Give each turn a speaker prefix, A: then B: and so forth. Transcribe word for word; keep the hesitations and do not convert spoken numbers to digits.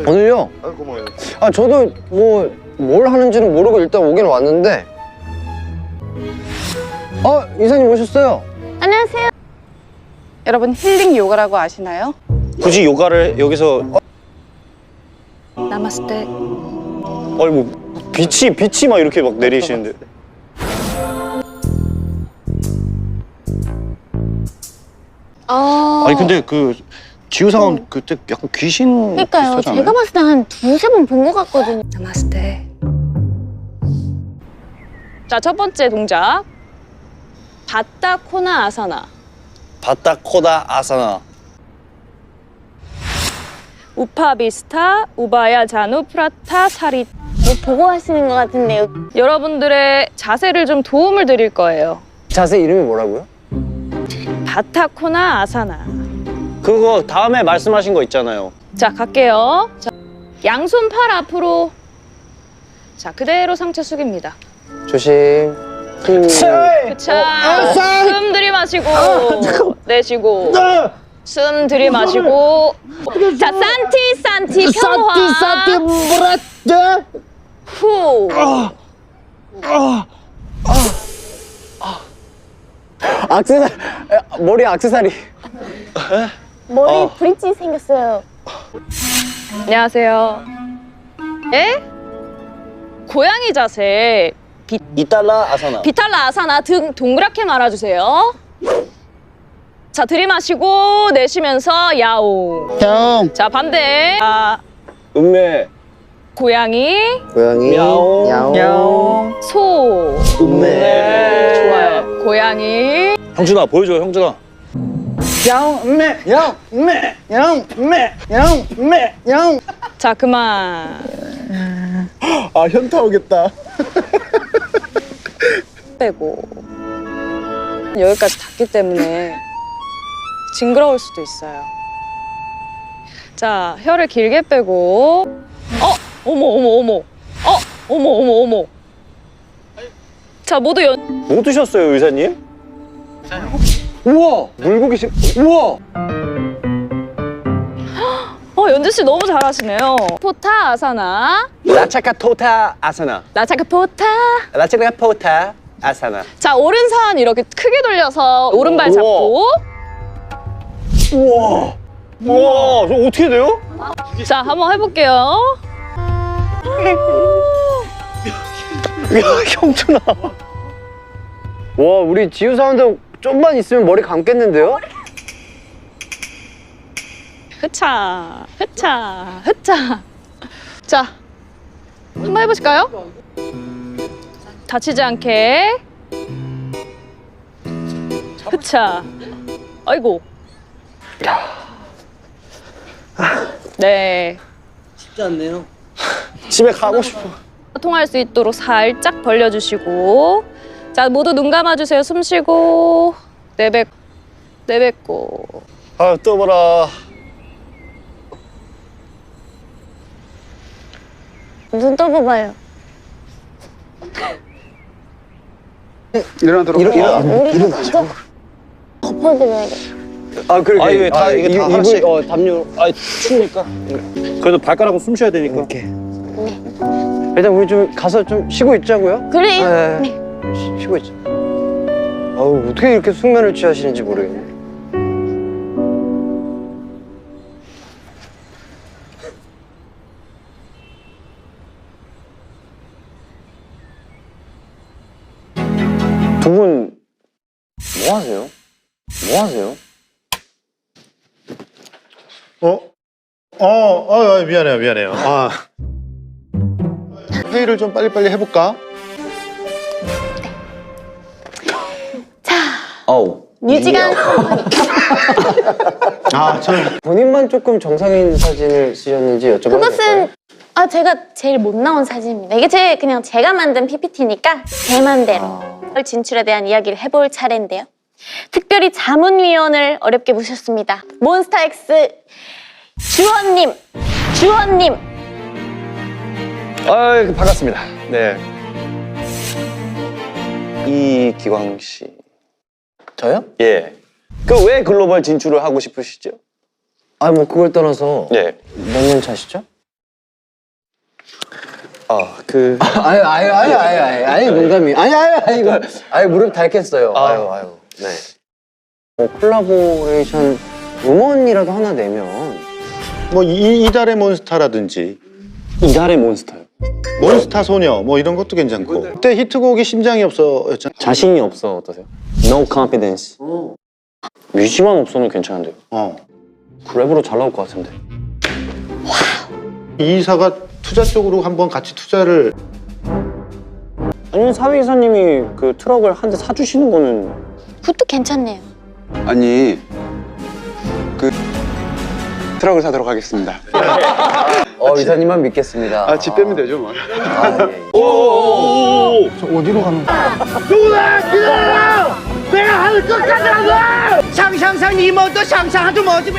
A: 오늘요?
B: 아, 고마워요.
A: 아 저도 뭐 뭘 하는지는 모르고 일단 오긴 왔는데. 어 이사님 오셨어요?
C: 안녕하세요. 여러분 힐링 요가라고 아시나요?
D: 굳이 요가를 여기서
C: 나마스테.
D: 아니 뭐 빛이 빛이 막 이렇게 막 내리시는데.
C: 아.
D: 아니 근데 그 지우상은 그때 약간 귀신
C: 그러니까요.
D: 비슷하지 않아요?
C: 제가 봤을 때 한 두세 번 본 것 같거든요. 나마스테.
E: 자, 첫 번째 동작. 바타 코나 아사나.
D: 바타 코다 아사나.
E: 우파비스타 우바야 자누 프라타 사리.
C: 뭐 보고 하시는 것 같은데요.
E: 여러분들의 자세를 좀 도움을 드릴 거예요.
A: 자세 이름이 뭐라고요?
E: 바타 코나 아사나.
D: 그거 다음에 말씀하신 거 있잖아요.
E: 자, 갈게요. 자, 양손 팔 앞으로. 자, 그대로 상체 숙입니다.
A: 조심. 그...
E: 그차. 숨 들이마시고 내쉬고. 숨 들이마시고. 자, 산티 산티 평화. 산티 브라트. 후.
A: 악세사리 머리 악세사리.
C: 머리
D: 어.
C: 브릿지 생겼어요.
E: 안녕하세요. 예? 고양이 자세. 비,
D: 이달라 아사나.
E: 비탈라 아사나 등 동그랗게 말아주세요. 자, 들이마시고 내쉬면서 야옹.
A: 형.
E: 자, 반대. 아,
D: 음메.
E: 고양이,
A: 고양이.
D: 야옹.
A: 야옹.
E: 소.
D: 음메.
E: 좋아요. 고양이.
D: 형준아 보여줘 형준아.
A: 야옹 음메 야옹 음메 야옹 음메 야옹 음메 야옹.
E: 자, 그만.
B: 아, 현타 오겠다.
E: 빼고. 여기까지 닿기 때문에 징그러울 수도 있어요. 자, 혀를 길게 빼고. 어? 어머, 어머, 어머. 어? 어머, 어머, 어머. 자, 모두 연.
D: 뭐 드셨어요 의사님?
A: 우와 물고기 식. 우와.
E: 어, 연주 씨 너무 잘하시네요. 포타 아사나.
D: 라차카 토타 아사나.
E: 라차카 포타.
D: 라차카 포타 아사나.
E: 자, 오른손 이렇게 크게 돌려서 오른발 잡고.
D: 우와. 우와, 저 어떻게 돼요?
E: 자, 한번 해볼게요.
D: 야, 형준아.
A: 와 우리 지우 사운드 좀만 있으면 머리 감겠는데요?
E: 흐차, 흐차, 흐차. 자, 한번 해보실까요? 다치지 않게. 흐차. 아이고. 네.
A: 쉽지 않네요.
D: 집에 가고 싶어.
E: 통할 수 있도록 살짝 벌려주시고. 자, 모두 눈 감아주세요. 숨 쉬고. 내뱉, 내뱉고.
D: 아, 떠보라.
C: 눈 떠봐봐요.
B: 일어나 들어.
A: 일어 일어
C: 우리
A: 일어나죠.
C: 덮어드려야겠다.
A: 아 그러게.
D: 아, 이게 다- 이게 다
A: 이-
D: 하나씩-
A: 이불 어 담요.
D: 아, 추우니까. 그래도 발가락은 숨 쉬어야 되니까.
A: 이렇게. 일단 우리 좀 가서 좀 쉬고 있자고요.
C: 그래요.
A: 네.
C: 네.
A: 쉬- 쉬고 있자. 아우 어떻게 이렇게 숙면을 취하시는지 모르겠네. 두 분 뭐 하세요? 뭐 하세요?
B: 어? 어, 어, 어, 미안해요, 미안해요. 아. 회의를 좀 빨리빨리 해볼까?
A: 어우.
C: 뮤지간.
B: 아, 저는
A: 본인만 조금 정상인 사진을 쓰셨는지 여쭤봐도 될까요?
C: 그것은 아 제가 제일 못 나온 사진입니다. 이게 제 그냥 제가 만든 피피티니까 제 맘대로 설 진출에 대한 이야기를 해볼 차례인데요. 특별히 자문위원을 어렵게 모셨습니다. 몬스타엑스 주원님, 주원님.
D: 아, 반갑습니다. 네. 이기광 씨.
A: 저요?
D: 예. 그 왜 글로벌 진출을 하고 싶으시죠?
A: 아 뭐 그걸 떠나서
D: 예.
A: 몇 년 차시죠?
D: 아그
A: 아유 아유 아유 아유 아유 아유 농담이 아니 아유 아유 이거 아유 무릎 닳겠어요. 아유 아유.
D: 네. 뭐 콜라보레이션 음원이라도 하나 내면
B: 뭐 이, 이달의 몬스타라든지
D: 이달의 몬스터요.
B: 몬스타 소녀 뭐 이런 것도 괜찮고. 그때 히트곡이 심장이 없어였잖아.
D: 자신이 없어 어떠세요? No confidence. 뮤지만 없어는 괜찮은데요.
B: 어.
D: 랩으로 잘 나올 것 같은데.
B: 이사가 투자 쪽으로 한번 같이 투자를.
D: 아니면 사회 이사님이 그 트럭을 한 대 사주시는 거는
C: 그것도 괜찮네요.
F: 아니 그 트럭을 사도록 하겠습니다.
A: 어 이사님만 믿겠습니다.
F: 아, 집 빼면 되죠 뭐.
A: 아, 예, 예.
B: 저 어디로 가는 거야?
G: 누구나 기다려! 내가 하늘 끝까지 가서! 상상상 이 모두 상상하지 뭐지